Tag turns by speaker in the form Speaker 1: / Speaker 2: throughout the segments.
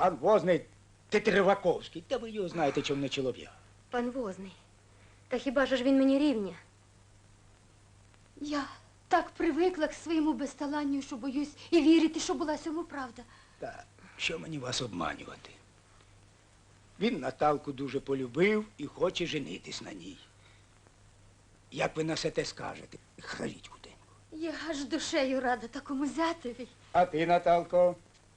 Speaker 1: Пан Возний Тетереваковський. Та ви його знаєте, чому не чолов'я.
Speaker 2: Пан Возний, та хіба ж він мені рівня?
Speaker 3: Я так привикла к своєму безталанню, що боюсь і вірити, що була цьому правда.
Speaker 1: Та що мені вас обманювати? Він Наталку дуже полюбив і хоче женитись на ній. Як ви на все те скажете? Хваліть худенько.
Speaker 3: Я аж душею рада такому зятеві.
Speaker 1: А ти, Наталко?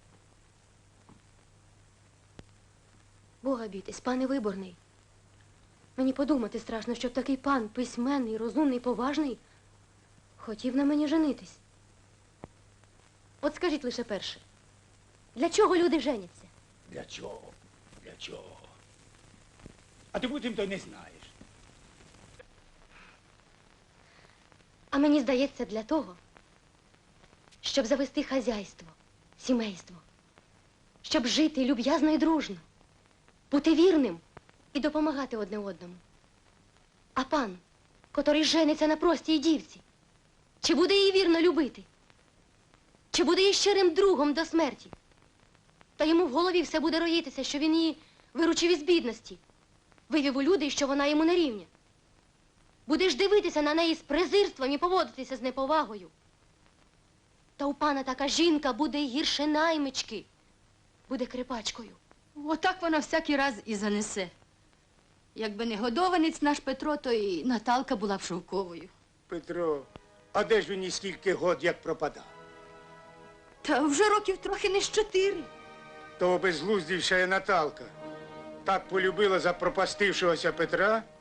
Speaker 2: Бога бійтесь, пане Виборний. Мені подумати страшно, щоб такий пан, письменний, розумний, поважний, хотів на мені женитись. От скажіть лише перше, для чого люди женяться?
Speaker 1: Для чого? Для чого? А ти потім то й не знаєш.
Speaker 2: А мені здається, для того, щоб завести хазяйство, сімейство, щоб жити люб'язно і дружно, бути вірним і допомагати одне одному. А пан, котрий жениться на простій дівці, чи буде її вірно любити? Чи буде її щирим другом до смерті? Та йому в голові все буде роїтися, що він її виручив із бідності, вивів у люди, що вона йому не рівня. Будеш дивитися на неї з презирством і поводитися з неповагою. Та у пана така жінка буде й гірше наймички, буде крипачкою.
Speaker 3: Отак вона всякий раз і занесе. Якби не годованець наш Петро, то і Наталка була б шовковою.
Speaker 1: Петро, а де ж він і скільки год як пропадав?
Speaker 3: Та вже років трохи не з 4.
Speaker 1: Того безглуздівша Наталка так полюбила запропастившогося Петра,